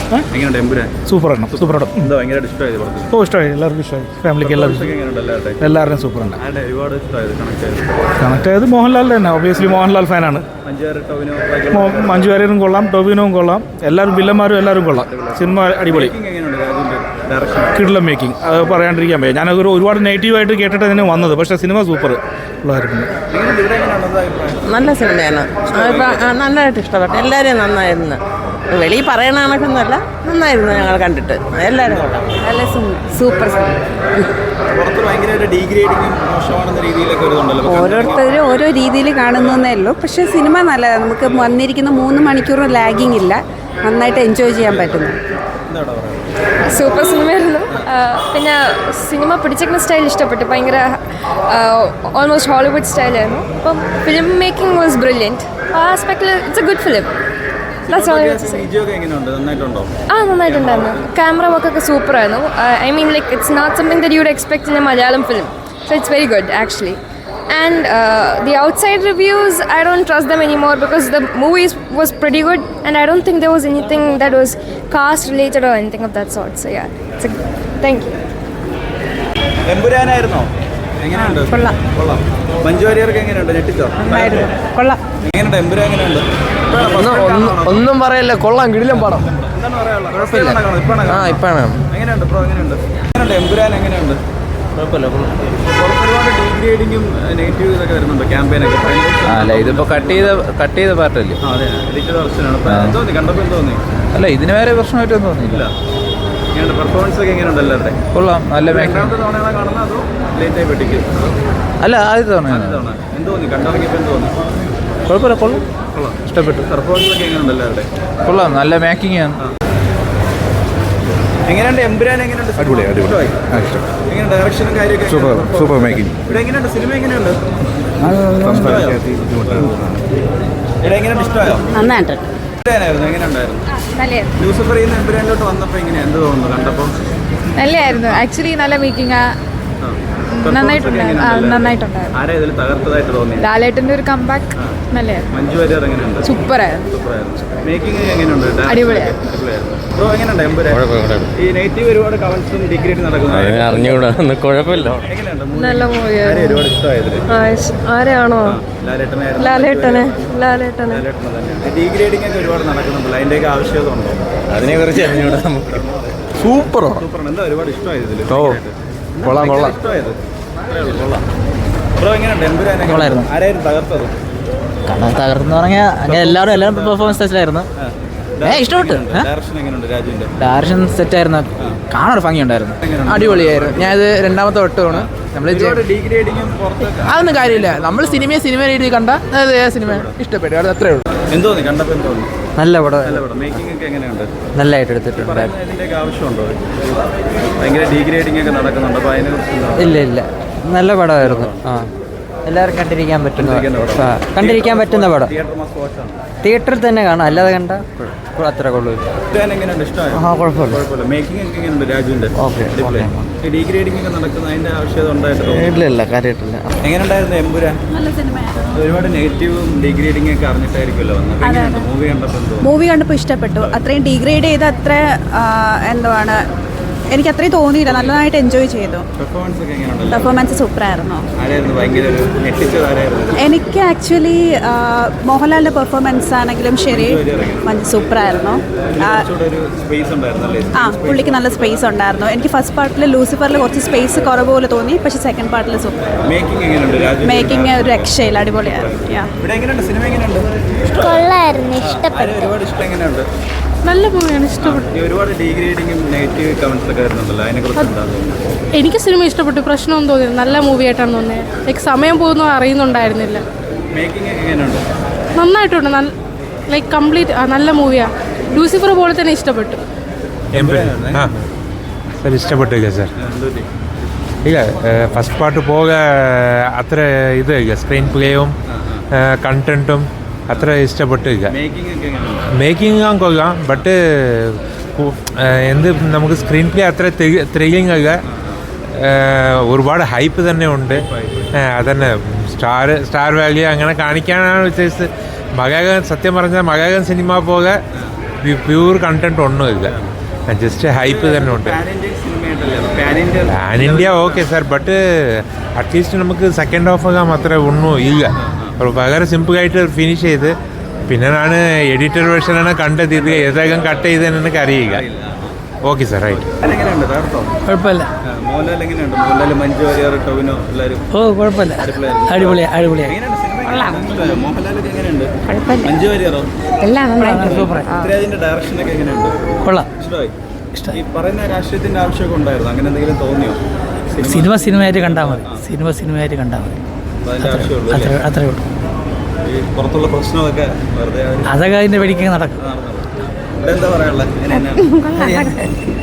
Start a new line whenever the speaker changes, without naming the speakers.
എങ്ങനെയുണ്ട് എമ്പുരാൻ?
സൂപ്പറാണ്, സൂപ്പറാണ്.
എന്താ ഭയങ്കരമായിട്ട് ഇഷ്ടമായത് പടത്തിൽ?
ഓ, ഇഷ്ടമായി, എല്ലാവർക്കും ഇഷ്ടമായി. ഫാമിലിക്ക് എല്ലാവരുടെയും സൂപ്പറുണ്ട്.
ഒരുപാട് ഇഷ്ടമായത്
കണക്ട് ആയത് മോഹൻലാലിൻ്റെ തന്നെ. ഒബിയസ്ലി മോഹൻലാൽ ഫാനാണ്. മഞ്ജു വാര്യരും കൊള്ളാം, ടോവിനോവും കൊള്ളാം, എല്ലാവരും വില്ലന്മാരും എല്ലാവരും കൊള്ളാം. സിനിമ അടിപൊളി, കിടിലം മേക്കിംഗ്. അത് പറയാണ്ടിരിക്കാൻ പറ്റും. ഞാനതൊരു ഒരുപാട് നെഗറ്റീവായിട്ട് കേട്ടിട്ട് തന്നെ വന്നത്, പക്ഷേ സിനിമ സൂപ്പർ ഉള്ളതായിരുന്നു.
നല്ല സിനിമയാണ്, നല്ലതായിട്ട് ഇഷ്ടപ്പെട്ടു. എല്ലാവരും നന്നായിരുന്നു. വെളിയിൽ പറയണ കണക്കൊന്നുമല്ല, നന്നായിരുന്നു. ഞങ്ങൾ കണ്ടിട്ട് എല്ലാവരും കൊള്ളാം. നല്ല സൂപ്പർ.
ഓരോരുത്തരും ഓരോ രീതിയിൽ കാണുന്നതേ ഉള്ളൂ. പക്ഷേ സിനിമ നല്ലതാണ്. നമുക്ക് വന്നിരിക്കുന്ന 3 മണിക്കൂർ ലാഗിങ് ഇല്ല, നന്നായിട്ട് എൻജോയ് ചെയ്യാൻ പറ്റുന്നു.
സൂപ്പർ സിനിമയായിരുന്നു. പിന്നെ സിനിമ പിടിച്ചിരിക്കുന്ന സ്റ്റൈൽ ഇഷ്ടപ്പെട്ടു. ഭയങ്കര ഓൾമോസ്റ്റ് ഹോളിവുഡ് സ്റ്റൈലായിരുന്നു. അപ്പം ഫിലിം മേക്കിംഗ് വാസ് ബ്രില്യൻറ്റ്. ആ ആസ്പെക്റ്റിൽ ഇറ്റ്സ് എ ഗുഡ് ഫിലിം. നന്നായിട്ടുണ്ടായിരുന്നു. ക്യാമറ വർക്കൊക്കെ സൂപ്പറായിരുന്നു. I mean like it's not something that you would expect in a Malayalam film. So it's very good actually. And the outside reviews, I don't trust them anymore because the movie was pretty good and I don't think there was anything that was cast related or anything of that sort. So yeah, thank you.
എമ്പുരാനായിരുന്നോ? എങ്ങനെയുണ്ട്? കൊള്ളാം. മഞ്ജു വാര്യർക്ക് എങ്ങനെയുണ്ട്? ഞെട്ടിച്ചോ?
കൊള്ളാം.
എങ്ങനെയുണ്ട് എമ്പുരാൻ? എങ്ങനെയുണ്ട്?
ഒന്നും പറയല്ല, കൊള്ളാം, കിടിലം പടം.
എന്താണ് പറയാനുള്ളത്?
ഇപ്പാണ്.
എങ്ങനെയുണ്ട് ബ്രോ? എങ്ങനെയുണ്ട് എമ്പുരാൻ? എങ്ങനെയുണ്ട്? ഒരുപാട് ഡീഗ്രേഡിങ്ങും നെഗറ്റീവ് ഇതൊക്കെ വരുന്നുണ്ട് ക്യാമ്പയിനൊക്കെ.
അല്ല, ഇതിപ്പോ കട്ട് ചെയ്ത പാർട്ടല്ലേ?
അതെ, എഡിറ്റഡ് വെർഷനാണ്. തോന്നി കണ്ടപ്പോൾ തോന്നി?
അല്ല, ഇതിന് വേറെ പ്രശ്നമായിട്ടൊന്നും തോന്നിയില്ല.
എങ്ങനെയുണ്ട് പെർഫോമൻസ് ഒക്കെ? എങ്ങനെയുണ്ട് എല്ലാവരുടെ?
കൊള്ളാം, നല്ല
രണ്ടാമത്തെ തവണയാണ് കാണുന്നത് അതോ ലേറ്റായി പെട്ടിക്ക്?
അല്ല, ആദ്യത്തെ തവണ.
എന്ത് തോന്നി കണ്ടിറങ്ങിയപ്പോൾ? എന്ത് തോന്നി?
കുഴപ്പമില്ല, കൊള്ളാം, ഇഷ്ടപ്പെട്ടു.
പെർഫോമൻസ് ഒക്കെ എങ്ങനെയുണ്ട് എല്ലാവരുടെ?
കൊള്ളാം, നല്ല മേക്കിംഗ് ആണ്.
എങ്ങനെയുണ്ട് എമ്പുരാൻ? എങ്ങനെയുണ്ട്?
അടിപൊളി.
എങ്ങനെയുണ്ട് ഡയറക്ഷനും കാര്യമൊക്കെ?
Super making.
ഇവിടെ എങ്ങനെയുണ്ട് സിനിമ? എങ്ങനെയുണ്ട്? ഇവിടെ എങ്ങനെയുണ്ട്? ഇഷ്ടമായോ?
നന്നായിട്ട്.
എങ്ങനെയുണ്ടായിരുന്നു? ലൂസിഫർ എമ്പുരാനിലോട്ട് വന്നപ്പോൾ എങ്ങനെയാ? എന്ത് തോന്നുന്നു കണ്ടപ്പോൾ?
നല്ലതായിരുന്നു ആക്ച്വലി. നല്ല മേക്കിംഗ് നന്നായിട്ടുണ്ടായിരുന്നു.
ആരാ ഇതിൽ തകർത്തതായിട്ട് തോന്നി?
ലാലേട്ടൻ്റെ ഒരു കംബാക്ക് നല്ലതായിരുന്നു.
മഞ്ജു വാര്യർ എങ്ങനെയുണ്ട്?
സൂപ്പറായിരുന്നു.
മേക്കിംഗ് എങ്ങനെയുണ്ട്?
അടിപൊളിയായിരുന്നു.
ബ്രോ എങ്ങനെയുണ്ട് എമ്പുരാൻ? ഈ നെഗറ്റീവ് ഒരുപാട് കമന്റ്സും ഡിഗ്രേഡ് നടക്കുന്നത്
അറിഞ്ഞൂടാ, കുഴപ്പമില്ല.
നല്ല മൂവിയായിരുന്നു.
ഒരുപാട് ഇഷ്ടമായത്
ആരെയാണോ? ലാലേട്ടനെ.
ഡിഗ്രേഡിംഗ് ഒക്കെ ഒരുപാട് നടക്കുന്നുണ്ടല്ലോ, അതിൻ്റെയൊക്കെ ആവശ്യകത ഉണ്ടോ?
അതിനെ കുറിച്ച് അറിഞ്ഞൂടാ നമുക്ക്. സൂപ്പറാണ്.
എന്താ ഒരുപാട് ഇഷ്ടമായത് ഇതിൽ?
കൊള്ളാം.
ഇഷ്ടമായത് ബ്രോ എങ്ങനെയുണ്ട് എമ്പുരാൻ? ആരായിരുന്നു തകർത്തത്?
തകർന്ന് പറഞ്ഞാൽ അങ്ങനെ എല്ലാവരും പെർഫോമൻസ് സെറ്റായിരുന്നു. ഇഷ്ടപ്പെട്ടു. ഡയറക്ഷൻ സെറ്റായിരുന്നു. കാണാൻ ഭംഗിയുണ്ടായിരുന്നു, അടിപൊളിയായിരുന്നു. ഞാനിത് രണ്ടാമത്തെ വട്ടമാണ്. നമ്മൾ അതൊന്നും കാര്യമില്ല. നമ്മൾ സിനിമ രീതിയിൽ കണ്ട സിനിമ ഇഷ്ടപ്പെട്ടു, അത് അത്രേ ഉള്ളൂ.
എന്തോന്നി കണ്ടപ്പോൾ? എന്തോന്നി?
നല്ല പടം,
മേക്കിംഗ് ഒക്കെ എങ്ങനെയുണ്ട്?
നല്ലതായിട്ട് എടുത്തിട്ടുണ്ട്.
ഇതിൻ്റെയൊക്കെ ആവശ്യമുണ്ടോ? ഭയങ്കര ഡീഗ്രേഡിംഗ് ഒക്കെ നടക്കുന്നുണ്ട്, അപ്പോൾ അതിനെക്കുറിച്ച്?
ഇല്ല, നല്ല പടമായിരുന്നു. എല്ലാവരും കണ്ടിരിക്കാൻ പറ്റുന്ന പടം. തിയേറ്ററിൽ തന്നെ കാണാം, അല്ലാതെ കണ്ട അത്ര കൊള്ളൂ.
കുഴപ്പമില്ല. മേക്കിംഗ് ഒക്കെ എങ്ങനെയുണ്ട് രാജുവിൻ്റെ? ഡീഗ്രേഡിംഗ് ഒക്കെ നടക്കുന്ന അതിൻ്റെ ആവശ്യകത ഉണ്ടായിട്ടോ?
ഇല്ല, കാര്യമായിട്ടില്ല.
എങ്ങനെയുണ്ടായിരുന്നു എമ്പുരാൻ? ഒരുപാട് നെഗറ്റീവും ഡീഗ്രേഡിംഗ് ഒക്കെ അറിഞ്ഞിട്ടായിരിക്കുമല്ലോ വന്നത്.
മൂവി കണ്ടപ്പോൾ ഇഷ്ടപ്പെട്ടു. അത്രയും ഡീഗ്രേഡ് ചെയ്ത് അത്ര എന്തുവാണ്, എനിക്ക് അത്രയും തോന്നിയില്ല. നല്ലതായിട്ട് എൻജോയ് ചെയ്തു. പെർഫോമൻസ് സൂപ്പറായിരുന്നു. എനിക്ക് ആക്ച്വലി മോഹൻലാലിൻ്റെ പെർഫോമൻസ് ആണെങ്കിലും ശരി സൂപ്പറായിരുന്നു. പുള്ളിക്ക് നല്ല സ്പേസ് ഉണ്ടായിരുന്നു. എനിക്ക് ഫസ്റ്റ് പാർട്ടിൽ ലൂസിഫറിൽ കുറച്ച് സ്പേസ് കുറവ് പോലെ തോന്നി, പക്ഷേ സെക്കൻഡ് പാർട്ടിൽ സൂപ്പർ. മേക്കിംഗ് ഒരു രക്ഷയില്ല, അടിപൊളിയായിരുന്നു.
നല്ല മൂവിയാണ്, ഇഷ്ടപ്പെട്ടു.
ഒരുപാട് ഡീഗ്രേഡിംഗും നെഗറ്റീവ് കമന്റ്സ് ഒക്കെ വരുന്നുണ്ടല്ലോ, അതിനെക്കുറിച്ച്?
എനിക്ക് സിനിമ ഇഷ്ടപ്പെട്ടു, പ്രശ്നമൊന്നും തോന്നിയത്. നല്ല മൂവി ആയിട്ടാണ് തോന്നിയത്. ലൈക്ക് സമയം പോകുന്നത് അറിയുന്നുണ്ടായിരുന്നില്ല.
മേക്കിംഗ് എങ്ങനെയുണ്ട്?
നന്നായിട്ടുണ്ട്. ലൈക്ക് കംപ്ലീറ്റ് നല്ല മൂവിയാണ്. ലൂസിഫർ പോലെ തന്നെ ഇഷ്ടപ്പെട്ടു.
സർ ഇഷ്ടപ്പെട്ടില്ല സർ. ഇല്ല, ഫസ്റ്റ് പാർട്ട് പോക അത്ര ഇത് സ്ക്രീൻ പ്ലേയും കണ്ടന്റും അത്ര ഇഷ്ടപ്പെട്ടില്ല. മേക്കിംഗ് കൊള്ളാം, ബട്ട് എന്ത് നമുക്ക് സ്ക്രീൻ പ്ലേ അത്ര ത്രില്ലിംഗ് അല്ല. ഒരുപാട് ഹൈപ്പ് തന്നെ ഉണ്ട്. അതന്നെ സ്റ്റാർ വാല്യൂ അങ്ങനെ കാണിക്കാനാണ് ഉദ്ദേശിച്ചത്. മലയാളം സത്യം പറഞ്ഞാൽ മലയാളം സിനിമ പോലെ
പ്യൂർ കണ്ടന്റ് ഒന്നുമില്ല, ജസ്റ്റ് ഹൈപ്പ് തന്നെ ഉണ്ട്.
പാൻ ഇന്ത്യൻ സിനിമയായിട്ടല്ലേ pan India
pan India okay sir, but at least നമുക്ക് സെക്കൻഡ് ഹാഫ് ആകാൻ അത്ര ഒന്നും ഇല്ല. വളരെ സിമ്പിളായിട്ട് ഫിനിഷ് ചെയ്ത് പിന്നെ ഞാൻ എഡിറ്റർ വേർഷനാണ് കണ്ടത്. ഇത് ഏതായാലും കട്ട് ചെയ്തെന്ന് എനിക്ക് അറിയുക. Okay sir, right.
എങ്ങനെയുണ്ട് തകർത്തോ?
കുഴപ്പമില്ല.
മോഹൻലാൽ എങ്ങനെയുണ്ട്? മോഹൻലാൽ, മഞ്ജു വാര്യർ, ടൊവിനോ എല്ലാവരും
ഓ കുഴപ്പമില്ല, അടിപൊളിയായി.
എങ്ങനെയുണ്ട് സിനിമ? മോഹൻലാലൊക്കെ എങ്ങനെയുണ്ട്? മഞ്ജു വാര്യറോ? പൃഥ്വിരാജിന്റെ ഡയറക്ഷനൊക്കെ എങ്ങനെയുണ്ട്?
കൊള്ളാം.
ഇഷ്ടമായി. ഈ പറയുന്ന രാഷ്ട്രീയത്തിന്റെ ആവശ്യമൊക്കെ ഉണ്ടായിരുന്നു, അങ്ങനെ എന്തെങ്കിലും തോന്നിയോ?
സിനിമയായിട്ട് കണ്ടാൽ മതി. സിനിമയായിട്ട് കണ്ടാൽ മതി.
അതിന്റെ ആവശ്യമുള്ളൂ അല്ലേ?
അത്രേ ഉള്ളൂ.
ഈ പുറത്തുള്ള പ്രശ്നമൊക്കെ വെറുതെ
അതൊക്കെ അതിൻ്റെ വെടിക്ക് നടക്കും.
ഇവിടെ എന്താ പറയാനുള്ളത്? എങ്ങനെയാണ്?